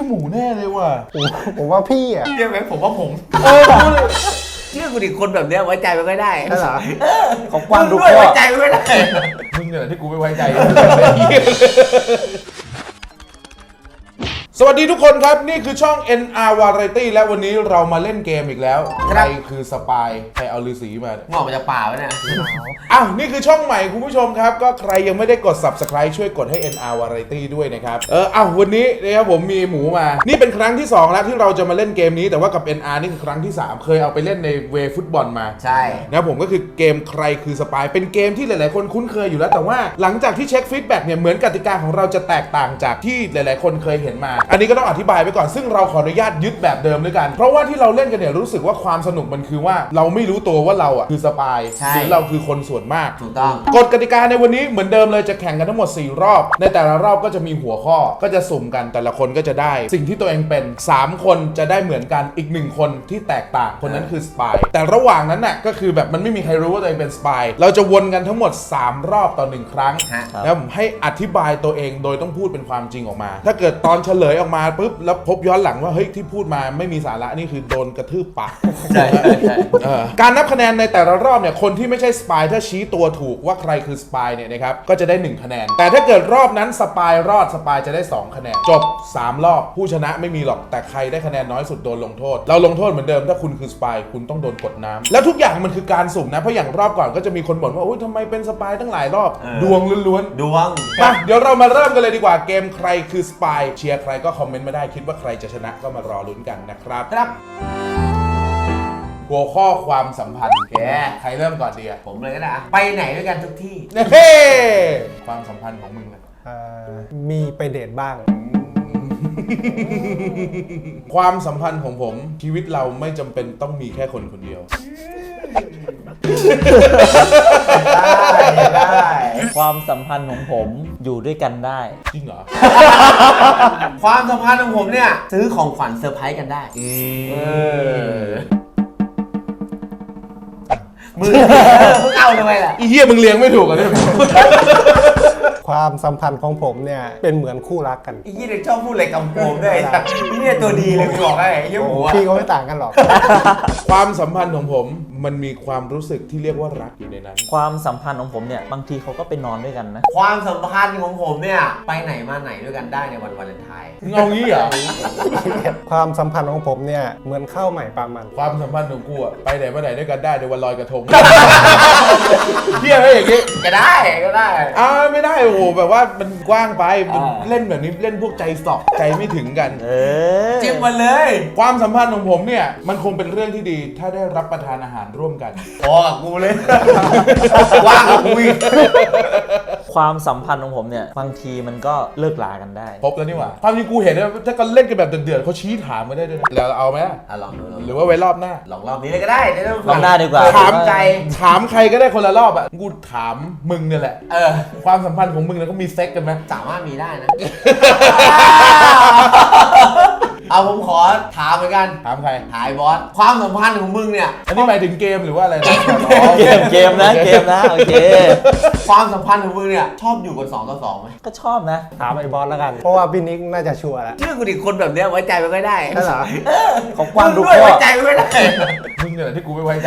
หมูแน่เลยว่ะผมว่าพี่อ่ะเชื่อไหมผมว่าผมเชื่อกูดิคนแบบเนี้ยไว้ใจมันไม่ได้ใช่เหรอของกว้างดูไว้ใจมันไม่ได้มึงเนี่ยที่กูไม่ไว้ใจสวัสดีทุกคนครับนี่คือช่อง NR Variety และวันนี้เรามาเล่นเกมอีกแล้วใครคือสปายใครเอาฤาษีมางอกมาจากป่าไว้เนี่ยอ้าวนี่คือช่องใหม่คุณผู้ชมครับก็ใครยังไม่ได้กด Subscribe ช่วยกดให้ NR Variety ด้วยนะครับวันนี้นะครับผมมีหมูมานี่เป็นครั้งที่2แล้วที่เราจะมาเล่นเกมนี้แต่ว่ากับ NR นี่คือครั้งที่3เคยเอาไปเล่นในเวฟุตบอลมาใช่นะผมก็คือเกมใครคือสปายเป็นเกมที่หลายๆคนคุ้นเคยอยู่แล้วแต่ว่าหลังจากที่เช็คฟีดแบ็กเนี่ยเหมือนกติกาของเราจะแตกต่างจากที่หลายๆคนเคยเห็นมาอันนี้ก็ต้องอธิบายไปก่อนซึ่งเราขออนุญาตยึดแบบเดิมด้วยกันเพราะว่าที่เราเล่นกันเนี่ยรู้สึกว่าความสนุกมันคือว่าเราไม่รู้ตัวว่าเราอ่ะคือสปายหรือเราคือคนส่วนมากถูกต้องกฎกติกาในวันนี้เหมือนเดิมเลยจะแข่งกันทั้งหมด4รอบในแต่ละรอบก็จะมีหัวข้อก็จะสุ่มกันแต่ละคนก็จะได้สิ่งที่ตัวเองเป็น3คนจะได้เหมือนกันอีก1คนที่แตกต่างคนนั้นคือสปายแต่ระหว่างนั้นน่ะก็คือแบบมันไม่มีใครรู้ว่าตัวเองเป็นสปายเราจะวนกันทั้งหมด3รอบต่อ1ครั้งแล้วผมให้อธิบายตัวเองโดยต้องพูดเป็นความจริงออกมาถ้าเกิดตอนเฉลยออกมาปุ๊บแล้วพบย้อนหลังว่าเฮ้ยที่พูดมาไม่มีสาระนี่คือโดนกระทืบปากใช่การนับคะแนนในแต่ละรอบเนี่ยคนที่ไม่ใช่สปายถ้าชี้ตัวถูกว่าใครคือสปายเนี่ยนะครับก็จะได้1คะแนนแต่ถ้าเกิดรอบนั้นสปายรอดสปายจะได้2คะแนนจบ3รอบผู้ชนะไม่มีหรอกแต่ใครได้คะแนนน้อยสุดโดนลงโทษเราลงโทษเหมือนเดิมถ้าคุณคือสปายคุณต้องโดนกดน้ำแล้วทุกอย่างมันคือการสุ่มนะเพราะอย่างรอบก่อนก็จะมีคนบ่นว่าอุ้ยทำไมเป็นสปายตั้งหลายรอบดวงล้วนๆดวงมาเดี๋ยวเรามาเริ่มกันเลยดีกว่าเกมใครคือสปายเชียร์ใครก็คอมเมนต์มาได้คิดว่าใครจะชนะก็มารอลุ้นกันนะครับหัวข้อความสัมพันธ์ใครเริ่มก่อนดีอ่ะผมเลยก็ได้ไปไหนด้วยกันทุกที่เฮ้ความสัมพันธ์ของมึงนะมีไปเดทบ้างความสัมพันธ์ของผมชีวิตเราไม่จำเป็นต้องมีแค่คนคนเดียวได้ความสัมพันธ์ของผมอยู่ด้วยกันได้จริงเหรอความสัมพันธ์ของผมเนี่ยซื้อของขวัญเซอร์ไพรส์กันได้มึงเอาทำไมล่ะอีเหี้ยมึงเลี้ยงไม่ถูกอ่ะเนี่ยความสัมพันธ์ของผมเนี่ยเป็นเหมือนคู่รักกันอีเด็กชอบพูดอะไรกำโกงด้วยนี่ตัวดีเลยบอกให้เยี่ยมหัวพี่ก็ไม่ต่างกันหรอกความสัมพันธ์ของผมมันมีความรู้สึกที่เรียกว่ารักอยู่ในนั้นความสัมพันธ์ของผมเนี่ยบางทีเขาก็ไปนอนด้วยกันนะความสัมพันธ์ของผมเนี่ยไปไหนมาไหนด้วยกันได้ในวันวาเลนไทน์เงางี้เหรอความสัมพันธ์ของผมเนี่ยเหมือนข้าวใหม่ปลามันความสัมพันธ์ของกูอะไปไหนมาไหนด้วยกันได้ในวันลอยกระทงเที่ยงอะไรอย่างงี้ก็ได้ไม่ได้โอ้โหแบบว่ามันกว้างไปเล่นแบบนี้เล่นพวกใจสอบใจไม่ถึงกันจิ้มมาเลยความสัมพันธ์ของผมเนี่ยมันคงเป็นเรื่องที่ดีถ้าได้รับประทานอาหารร่วมกันกับกูเลยว่างกับกูอีกความสัมพันธ์ของผมเนี่ยบางทีมันก็เลิกลากันได้พบแล้วนี่หว่าความจริงกูเห็นนะถ้าก็เล่นกันแบบเดือดๆเขาชี้ถามมาได้ด้วยแล้วเอาไหมลองดูหรือว่าไว้รอบหน้าลองรอบนี้เลยก็ได้รอบหน้าดีกว่าถามใครก็ได้คนละรอบอ่ะกูถามมึงเนี่ยแหละความสัมพันธ์ของมึงเนี่ยก็มีเซ็กกันไหมสามารถมีได้นะเอาผมขอถามเหมือนกันถามใครถ่ายบอสความสัมพันธ์ของมึงเนี่ยอันนี้หมายถึงเกมหรือว่าอะไรเกมนะโอเคความสัมพันธ์ของมึงเนี่ยชอบอยู่กัน2 ต่อ 2ไหมก็ชอบนะถามไอ้บอสแล้วกันเพราะว่าพี่นิกน่าจะชัวร์แล้วเชื่อกูดิคนแบบเนี้ยไว้ใจไม่ได้ใช่เหรอของกว้างดูไว้ใจไม่ได้มึงเนี่ยที่กูไม่ไว้ใจ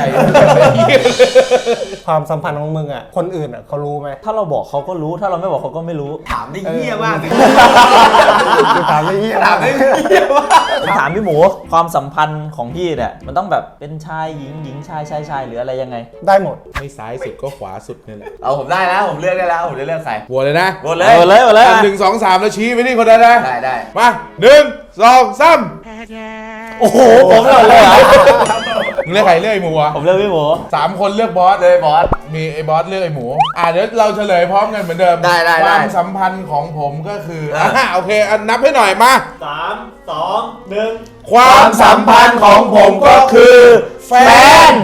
ความสัมพันธ์ของมึงอ่ะคนอื่นอ่ะเขารู้ไหมถ้าเราบอกเขาก็รู้ถ้าเราไม่บอกเขาก็ไม่รู้ถามได้เหี้ยมากถามได้เหี้ยถามพี่หมูความสัมพันธ์ของพี่เนี่ยมันต้องแบบเป็นชายหญิงชายหรืออะไรยังไงได้หมดไม่ซ้ายสุดก็ขวาสุดนี่แหละเอาผมได้แล้วผมเลือกได้แล้วผมจะเลือกใครโหวตเลยนะโหวตเลย 1 2 3แล้วชี้ไปที่คนนั้นนะได้มา1 2 3 โอ้โหผมเลยเหรอมึงเลือกใครเลือกไอ้หมูอ่ะผมเลือกพี่หมู 3 คนเลือกบอสเลยบอสมีไอ้บอสเลือกไอ้หมูเดี๋ยวเราเฉลยพร้อมกันเหมือนเดิมได้ความสัมพันธ์ของผมก็คือโอเคนับให้หน่อยมา 3 2 1 ความสัมพันธ์ของผมก็คือแฟน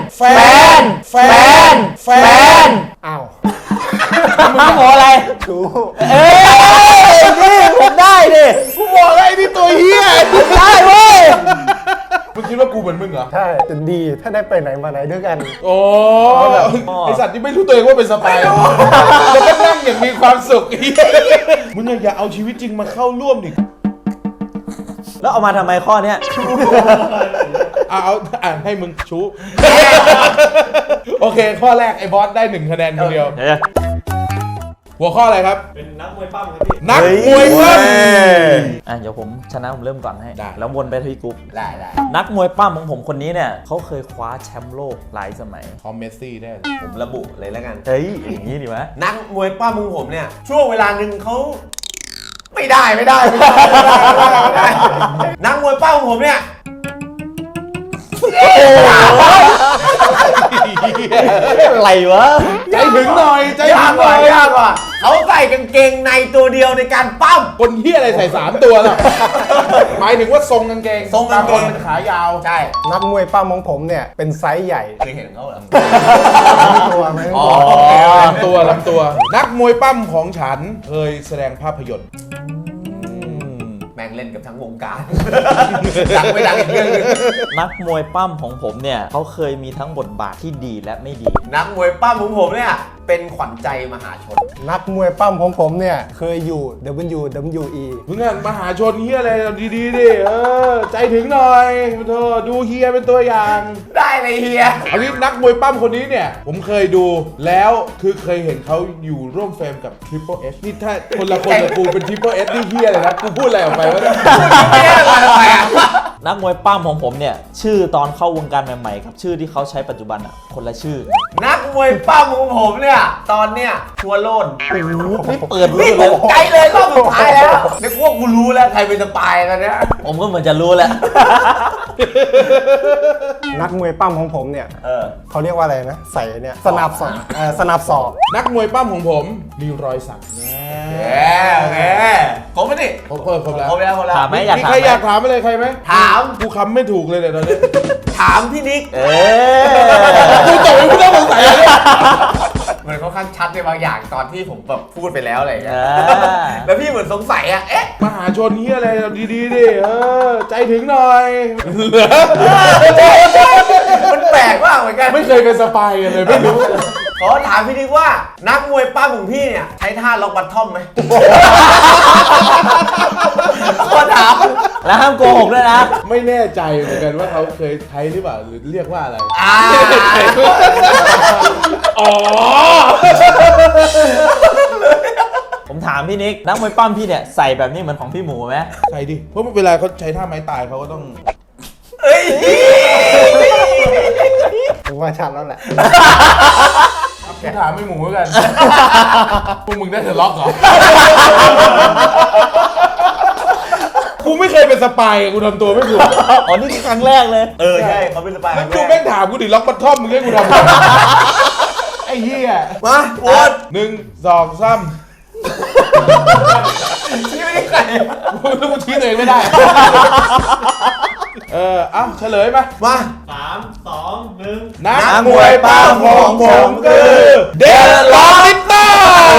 อ้าวมึงบอกอะไรถูกนี่ผมได้ดิกูบอกอะไรนี่ตัวเหี้ยได้เว้ยมึงคิดว่ากูเหมือนมึงเหรอใช่จะดีถ้าได้ไปไหนมาไหนด้วยกันโอ้ไอสัตว์ที่ไม่รู้ตัวเองว่าเป็นสปายแล้วก็นั่งอย่างมีความสุขมึงอย่าเอาชีวิตจริงมาเข้าร่วมดิแล้วเอามาทำไมข้อเนี้ยเอาอ่านให้มึงชูโอเค ข้อแรกไอ้บอสได้1 คะแนนคนเดียว หัวข้ออะไรครับเป็นนักมวยปั้มครับพี่นักมวยปั้มเดี๋ยวผมชนะผมเริ่มก่อนให้ได้แล้ววนไปที่กรุ๊ปได้นักมวยปั้มของผมคนนี้เนี่ยเขาเคยคว้าแชมป์โลกหลายสมัยพอเมสซี่ได้เลยผมระบุเลยแล้วกันเฮ้ย อย่างนี้ดีไหมนักมวยป้ามึงผมเนี่ย ช่วงเวลาหนึ่งเขาไม่ได้ นักมวยป้ามึงผมเนี่ยอะไรวะใจถึงหน่อย ใจถึงหน่อยยากว่ะเขาใส่กางเกงในตัวเดียวในการปั้มคนเฮียอะไรใส่3 ตัวล่ะ หมายถึงว่าทรงกางเกงทรงกางเกงบคนเป็นขายาวใช่นักมวยปั้มของผมเนี่ยเป็นไซส์ใหญ่เคยเห็นเขาเหรอตัวไหมอ๋อลำตัว นักมวยปั้มของฉันเคยแสดงภาพยนตร์แม่งเล่นกับทั้งวงการ ดังไม่ดังอีกเรื่องนึงนักมวยปั้มของผมเนี่ยเขาเคยมีทั้งบทบาทที่ดีและไม่ดีนักมวยปั้มของผมเนี่ยเป็นขวัญใจมหาชนนักมวยปั้มของผมเนี่ยเคยอยู่ WWE มึงอ่ะมหาชนเฮียอะไรดีๆดิใจถึงหน่อยเธอดูเฮียเป็นตัวอย่างได้เลยเฮียเอางี้นักมวยปั้มคนนี้เนี่ย ผมเคยดูแล้วคือเคยเห็นเขาอยู่ร่วมเฟรมกับ Triple H นี่ถ้าคนละคนกับกูเป็น Triple H นี่เฮียเลยนะกูพูดอะไรออกไปวะเนี่ยนักมวยปั้มของผมเนี่ยชื่อตอนเข้าวงการใหม่ๆกับชื่อที่เขาใช้ปัจจุบันอ่ะคนละชื่อนักมวยปั้มของผมเนี่ยตอนเนี่ยชัวร์โลนนี่เปิดนี่รู้ผเลยมใจเลยรอบสุดท้ายแล้วเดี๋ยวพวกกูรู้แล้วใครเป็นสปายแล้วเนี่ยผมก็เหมือนจะรู้แหละนักมวยปั้มของผมเนี่ยเขาเรียกว่าอะไรนะใส่เนี่ยสนับศอกสนับศอกนักมวยปั้มของผมมีรอยสักแน่โอเคผมไม่ดิครบแล้วผมแล้วถามไหมอยากมีถามใครไหมอยากถามอะไรใครไหมถามกูคำไม่ถูกเลยเนี่ยตอนนี้ถามพี่นิกเอ๊ะกูตกไปกูต้องสงสัยเลยมันค่อนข้างชัดในบางอย่างตอนที่ผมแบบพูดไปแล้วอะไรอย่างเงี้ยอ่าแล้วพี่เหมือนสงสัยอะเอ๊ะมหาชนเฮียอะไรดีๆดิใจถึงหน่อยมันแปลกมากเหมือนกันไม่เคยเป็นสปายกันเลยไม่รู้ขอถามพี่นิกว่านักมวยปั้มของพี่เนี่ยใช้ท่าล็อกบัตทอมไหมขอถามแล้วห้ามโกหกด้วยนะไม่แน่ใจเหมือนกันว่าเขาเคยใช้หรือเปล่าหรือเรียกว่าอะไร อ๋อผมถามพี่นิกนักมวยปั้มพี่เนี่ยใส่แบบนี้เหมือนของพี่หมูไหมใช่ดิ เพราะเวลาเขาใช้ท่าไม้ตายเขาก็ต้องเอ้ยผมว่าชัดแล้วแหละกูถามไม่หมูแล้วกัน พวกมึงได้แต่ล็อกเหรอ กูไม่เคยเป็นสปายกูทำตัวไม่ถูกอ๋อนี่คือครั้งแรกเลยใช่เขาเป็นสปายแล้วกูแม่งถามกูดิล็อกบัตทอมมึงให้กูทำไงไอ้เหี้ยมาโอ๊ต 1 2 3 ชี้ไม่ได้ใครกูชี้ตัวเองไม่ได้ เอ้าเฉลยมามานักมวยปั้มของผมคือเดลลอริตต้า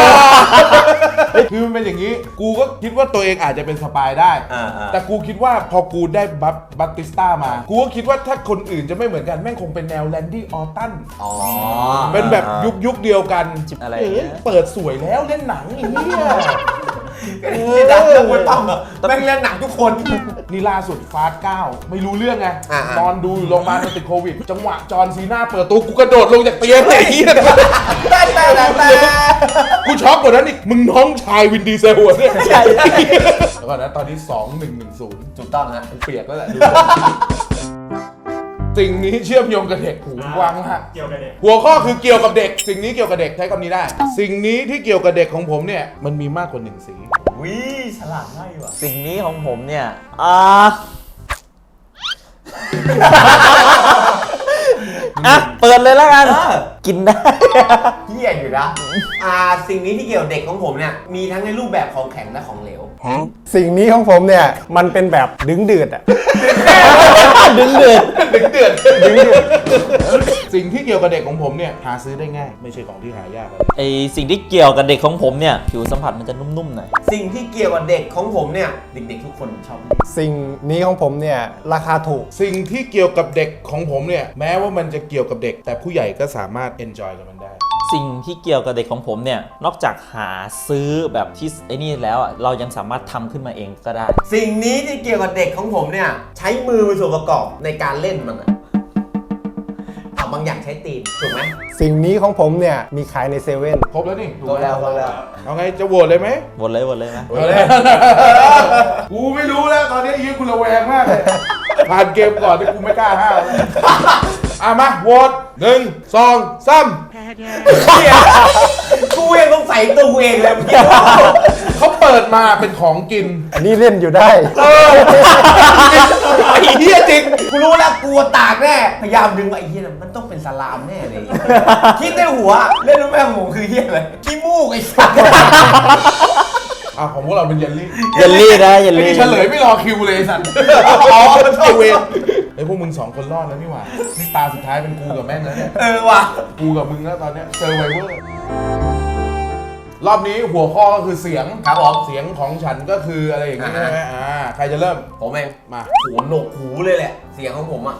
คือมันเป็นอย่างนี้ กูก็คิดว่าตัวเองอาจจะเป็นสปายได้ แต่กูคิดว่าพอกูได้บัตติสต้ามา กูก็คิดว่าถ้าคนอื่นจะไม่เหมือนกันแม่งคงเป็นแนวแลนดี้ออตันอ๋อเป็นแบบยุคเดียวกันอะไรอย่างเงี้ยเปิดสวยแล้วเล่นหนังไอ้เหี้ยที่ดังนักมวยปั้มอะแม่งเล่นหนังทุกคนนี่ล่าสุดฟาส9ไม่รู้เรื่องไงอ่าๆนอนดูอยู่โรงพยาบาลมันติดโควิด จังหวะจอห์นซีน่าเปิดตัวกูกระโดดลงจากเตียงเลยไอ้เหี้ยแต่กูช็อกกว่านั้นอีก มึงน้องชายวินดีเซลหัวเนี่ยใช่แล้วก่อนนะตอนนี้ 2110 ถูกต้องฮะเปียกแล้วแหละดูสิ่งนี้เชื่อมโยงกับเด็กหูกว้างมากเกี่ยวกับเด็กหัวข้อคือเกี่ยวกับเด็ก สิ่งนี้เกี่ยวกับเด็กใช้คำนี้ได้ สิ่งนี้ที่เกี่ยวกับเด็กของผมเนี่ยมันมีมากกว่า1 สีวิฉลาดมากว่ะสิ่งนี้ของผมเนี่ยเปิดเลยแล้วกัน กินได้เหี้ยอยู่นะสิ่งนี้ที่เกี่ยวเด็กของผมเนี่ยมีทั้งในรูปแบบของแข็งและของเหลวสิ่งนี้ของผมเนี่ยมันเป็นแบบดึงเดือดอ่ะดึงเดือดสิ่งที่เกี่ยวกับเด็กของผมเนี่ยหาซื้อได้ง่าย ไม่ใช่ของที่หายากอะไรไอสิ่งที่เกี่ยวกับเด็กของผมเนี่ยผิวสัมผัสมันจะนุ่มๆหน่อยสิ่งที่เกี่ยวกับเด็กของผมเนี่ยเด็กๆทุกคนชอบสิ่งนี้ของผมเนี่ยราคาถูกสิ่งที่เกี่ยวกับเด็กของผมเนี่ยแม้ว่ามันจะเกี่ยวกับเด็ก แต่ผู้ใหญ่ก็สามารถ enjoy กับมันได้สิ่งที่เกี่ยวกับเด็กของผมเนี่ยนอกจากหาซื้อแบบที่ไอ้นี่แล้วอะเรายังสามารถทำขึ้นมาเองก็ได้สิ่งนี้ที่เกี่ยวกับเด็กของผมเนี่ยใช้มือเป็นส่วนประกอบในการเล่นมันอะบางอย่างใช้ตีนถูกไหมสิ่งนี้ของผมเนี่ยมีขายในเซเว่นครบแล้วนี่ถูกก็ไหมแล้วก็แล้วเอาไงจะโหวตเลยไหมหมดเลยไหมเอาเลย กูไม่รู้แล้วตอนนี้ยืนกูระแวงมากเลยผ่านเกมก่อนที่กูไม่กล้าห้าวแล้วมาโหวต1 2 3 กูยังต้องใส่ตัวกูเองเลยเมื่อกี้เขาเปิดมาเป็นของกินอันนี้เล่นอยู่ได้ไอ้เหี้ยจริงกูรู้แล้วกลัวตากแน่พยายามดึงว่าไอ้เหี้ยน่ะมันต้องเป็นสลามแน่เลยคิดในหัวเล่นรู้ไหมของผมคือเหี้ยอะไรขี้มูกไอ้สัสของพวกเราเป็นเยลลี่เยลลี่นะเยลไอ้ลี่นี่เฉลยไม่รอคิวเลยไอ้สัตว์อ๋อไอเวนไอ้พวกมึง2 คนรอดแล้วนี่หว่านี่ตาสุดท้ายเป็นกูกับแม่งแล้วเนี่ยว่ะกูกับมึงแล้วตอนเนี้ยเซอร์ไวเวอร์รอบนี้หัวข้อก็คือเสียงครับผมเสียงของฉันก็คืออะไรอย่างนี้ใช่ไหมใครจะเริ่มผมเองมาหัวโหนกหูเลยแหละ เสียงของผมอ่ะ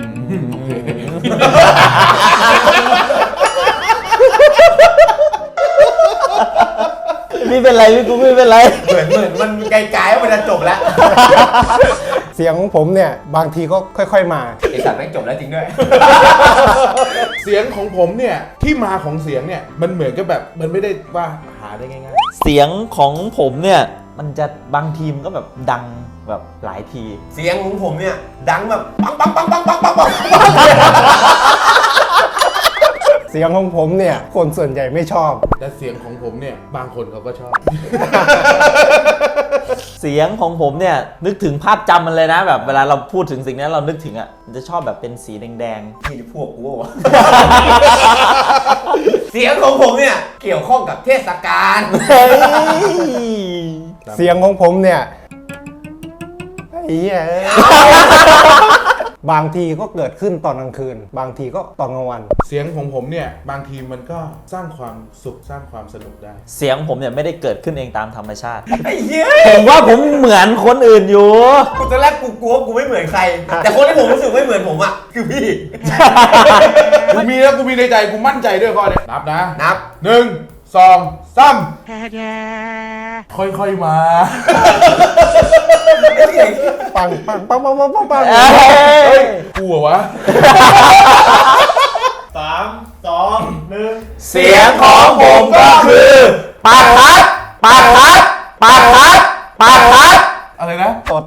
ไม่เป็นไรพี่กูไม่เป็นไรเหมือนมันไกลๆว่ามันจะจบแล้วเสียงของผมเนี่ยบางทีก็ค่อยๆมาไอสัตว์แม่งจบแล้วจริงด้วยเสียงของผมเนี่ยที่มาของเสียงเนี่ยมันเหมือนกับแบบมันไม่ได้ว่าหาได้ง่ายเสียงของผมเนี่ยมันจะบางทีมก็แบบดังแบบหลายทีเสียงของผมเนี่ยดังแบบปังปังปังปังปังปังปังเสียงของผมเนี่ยคนส่วนใหญ่ไม่ชอบๆแต่เสียงของผมเนี่ยบางคนเขาก็ชอบเสียงของผมเนี่ยนึกถึงภาพจำมันเลยนะแบบเวลาเราพูดถึงสิ่งนั้นเรานึกถึงอ่ะมันจะชอบแบบเป็นสีแดงนี่พวกกูวะ เสียงของผมเนี่ยเกี่ยวข้องกับเทศกาลๆเฮ้ยเสียงของผมเนี่ยไอ้เหี้ยบางทีก็เกิดขึ้นตอนกลางคืน บางทีก็ตอนกลางวันเสียงของผมเนี่ยบางทีมันก็สร้างความสุขสร้างความสนุกได้เสียงผมเนี่ยไม่ได้เกิดขึ้นเองตามธรรมชาติไอ้เหี้ยผมว่าผมเหมือนคนอื่นอยู่กูตอนแรกกูกลัวกูไม่เหมือนใคร แต่คนที่ผมรู้สึกไม่เหมือนผมอ่ะคือพี่กูมีแล้วกูมีในใจกูมั่นใจด้วยข้อเนี้ยนับนะนับ 1 2 3ค่อยๆมาปังปังปังปังปังปังปังเฮ้ยกูเหรอวะเสียงของผมก็คือปากคัดปากคัดปากคัดปากคัดอะไรนะตด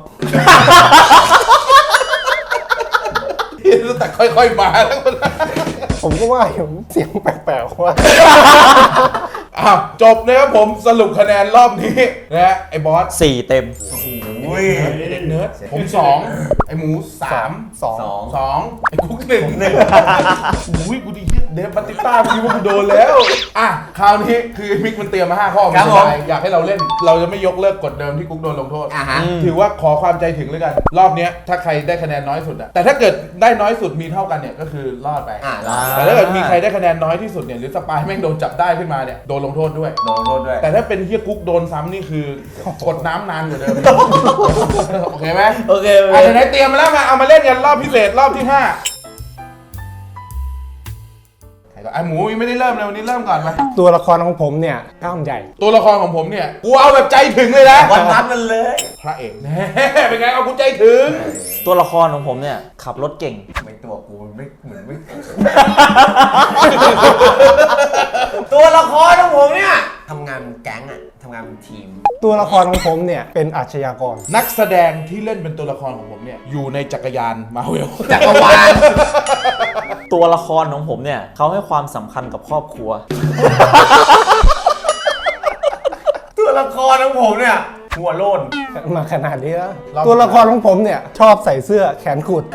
แต่ค่อยๆมาแล้วก็ผมก็ว่าอยู่เสียงแปลกๆว่าจบนะครับผมสรุปคะแนนรอบนี้นะฮะไอ้บอส 4 เต็มอุ้ยเด็กเนิร์ดผม2ไอ้หมู3 สอง 2ไอ้กุ๊ก1อุ้ยกูดีเหี้ยเดฟบัตติต้าพี่ว่ากูโดนแล้วคราวนี้คือมิกมันเตรียมมา5ข้อมันสบายอยากให้เราเล่นเราจะไม่ยกเลิกกฎเดิมที่กุ๊กโดนลงโทษฮะถือว่าขอความใจถึงเลยกัน รอบเนี้ยถ้าใครได้คะแนนน้อยสุดอะแต่ถ้าเกิดได้น้อยสุดมีเท่ากันเนี่ยก็คือรอดไปรอดแต่ถ้าเกิดมีใครได้คะแนนน้อยที่สุดเนี่ยหรือสปายแม่งโดนจับได้ขึ้นมาเนี่ยโดนลงโทษด้วยโดนโทษด้วยแต่ถ้าเป็นเฮียกุ๊กโดนซ้ำนี่คือกดน้ำนานกว่าเดิม โอเคไหมโอเคไหนๆเตรียมมาแล้วมาเอามาเล่นกันรอบพิเศษรอบที่5ไอ้หมูยังไม่ได้เริ่มเลยวันนี้เริ่มก่อนไหมตัวละครของผมเนี่ยกล้ามใหญ่ตัวละครของผมเนี่ยกูเอาแบบใจถึงเลยนะวันนัดมันเลยพระเอกแน่เป็นไงเอากูใจถึงตัวละครของผมเนี่ยขับรถเก่งไม่ตัวกูไม่เหมือนไม่ ตัวละครของผมเนี่ยทำงานแก๊งอะทำงานเป็นทีมตัวละครของผมเนี่ยเป็นอาชญากรนักแสดงที่เล่นเป็นตัวละครของผมเนี่ยอยู่ในจักรยานมาเวลจักรวาลตัวละครของผมเนี่ยเขาให้ความสำคัญกับครอบครัวตัวละครของผมเนี่ยหัวโลนมาขนาดนี้แล้วตัวละครของผมเนี่ยชอบใส่เสื้อแขนกุด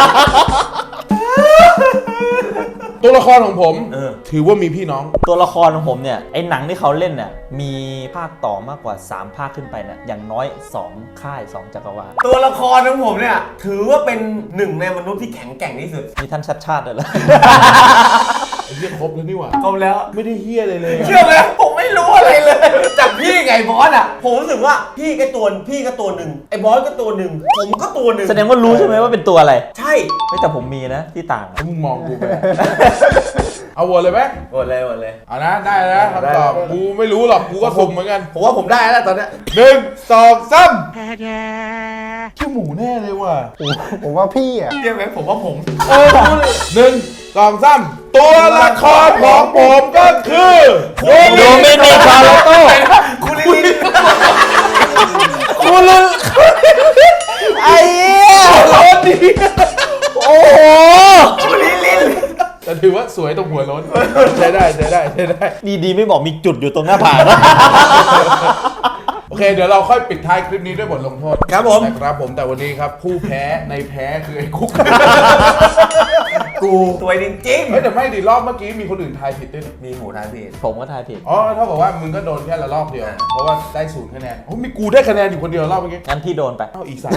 ตัวละครของผมถือว่ามีพี่น้องตัวละครของผมเนี่ยไอ้หนังที่เขาเล่นเนี่ยมีภาคต่อมากกว่า 3 ภาคขึ้นไปเนี่ยอย่างน้อย 2 ค่าย 2 จักรวาลตัวละครของผมเนี่ยถือว่าเป็นหนึ่งในมนุษย์ที่แข็งแกร่งที่สุดมีท่านชัดชาติด้วยเหรอไอ้เหี้ยครบแล้วนี่หว่าครบแล้วไม่ได้เฮี้ยเลยเลยเชื่อไหมผมไม่รู้อะไรเลย จากพี่ไงบอสอ่ะผมรู้สึกว่าพี่ก็ตัวหนึ่งไอ้บอสก็ตัวหนึ่งผมก็ตัวหนึ่งแสดงว่ารู้ใช่ไหมว่าเป็นตัวอะไรใช่ไม่แต่ผมมีนะที่ต่างถ้ามึงมองกูไปเอาโหวตเลยไหมหมดเลยหมดเลยเอานะได้นะคำตอบกูไม่รู้หรอกกูก็สุ่มเหมือนกันผมว่าผมได้แล้วตอนเนี้ย 1 2 3ขี้หมูแน่เลยว่ะผมว่าพี่อ่ะเรียกไหมผมว่าผมหนึ่งสองสามตัวละครของผมก็คือโดมินิกคาร์โลโต้คุณลิลินคุณลึกไอ้เหี้ยโล้นดีโอ้โหคุณลิลินแต่ถือว่าสวยตรงหัวโล้นใช้ได้ใช้ได้ใช้ได้ดีๆไม่บอกมีจุดอยู่ตรงหน้าผากนะโอเค เดี๋ยวเราค่อยปิดท้ายคลิปนี้ด้วยบทลงโทษครับผมนะครับผมแต่วันนี้ครับผู้แพ้ในแพ้คือไอ้คุกกูตัวจริงเฮ้ยแต่ไม่ดิรอบเมื่อกี้มีคนอื่นทายผิดด้วยนี่ๆมีหมูทายผิดผมก็ทายผิดอ๋อเท่ากับว่ามึงก็โดนแค่ละรอบเดียว เพราะว่าได้0 คะแนนโอ้มีกูได้คะแนนอยู่คนเดียวรอบเมื่อกี้งั้นพี่โดนไปเอาอีกสาม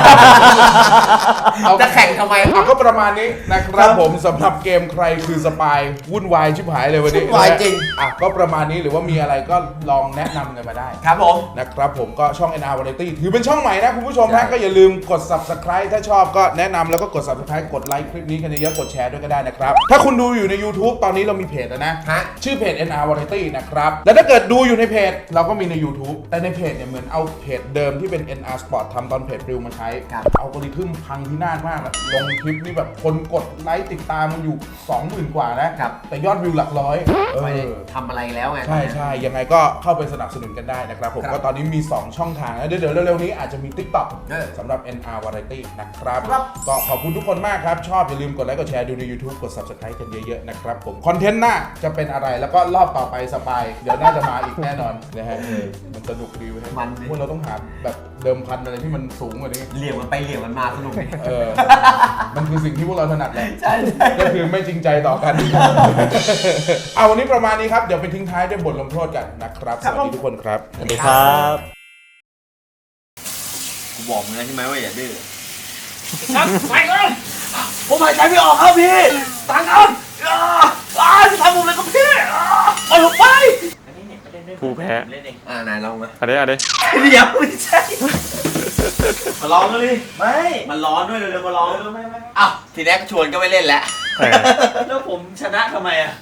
เอาจะแข่งทำไมเอาก็ประมาณนี้นะครับผมสำหรับเกมใครคือสปายวุ่นวายชิบหายเลยวันนี้วุ่นวายจริงอ่ะก็ประมาณนี้หรือว่ามีอะไรก็ลองแนะนำกันมาได้ครับผมนะครับผมก็ช่อง NR Variety ถือเป็นช่องใหม่นะคุณผู้ชมใช่นะก็อย่าลืมกด Subscribe ถ้าชอบก็แนะนำแล้วก็กด Subscribe กดไลค์คลิปนี้กันเยอะๆกดแชร์ด้วยก็ได้นะครับ ถ้าคุณดูอยู่ใน YouTube ตอนนี้เรามีเพจแล้วนะฮะชื่อเพจ NR Variety นะครับ แล้วถ้าเกิดดูอยู่ในเพจเราก็มีใน YouTube แต่ในเพจเนี่ยเหมือนเอาเพจเดิมที่เป็น NR Sport ทำตอนเพจริวมาใช้ครับอัลกอริทึมพังพินาศมากอะลงคลิปนี่แบบคนกดไลค์ติดตามมันอยู่ 20,000 กว่านะครับ แต่ยอดวิวหลักร้อยไม่ได้ทำอะไรแล้วไงใช่ใช่ยังไงก็เข้าไปสนับสนุนกันได้นะครับผมครับก็ตอนนี้มี 2 ช่องทางนะเดี๋ยวเร็วๆนี้อาจจะมี TikTok สำหรับ NR Variety นะครับครับก็ขอบคุณทุกคนมากครับ ชอบอย่าลืมกดไลค์กดแชร์ดูใน YouTube กด Subscribe กันเยอะๆนะครับผมคอนเทนต์หน้าจะเป็นอะไรแล้วก็รอบต่อไปสปายเดี๋ยวน่าจะมาอีกแน่นอนนะฮะมันสนุกดีเว้ยมันดิพวกเราต้องหาแบบเดิมพันอะไรที่มันสูงกว่านี้เหลี่ยมกันไปเหลี่ยมกันมาสนุกดีมันคือสิ่งที่พวกเราถนัดแหละใช่ใช่ก็คือไม่จริงใจต่อกัน เอาวันนี้ประมาณนี้ครับ เดี๋ยวไปทิ้งท้ายด้วยบทลงโทษกันนะครับ สวัสดีทุกคนครับสวัสดีครับกูบอกมึงแล้วใช่ไหมว่าอย่าดื้อผมหายใจไม่ออกครับพี่ตังครับจะทำผมเลยครับพี่เอาลงไปผู้แพ้ไหนลองมาอันนี้เดี๋ยวไม่ใช่ มาลองกันเลยไม่ มันร้อนด้วยเร็วๆมาลองไม่อ้าวทีแรกชวนก็ไม่เล่นแล้วแล้วผมชนะทำไมอ่ะ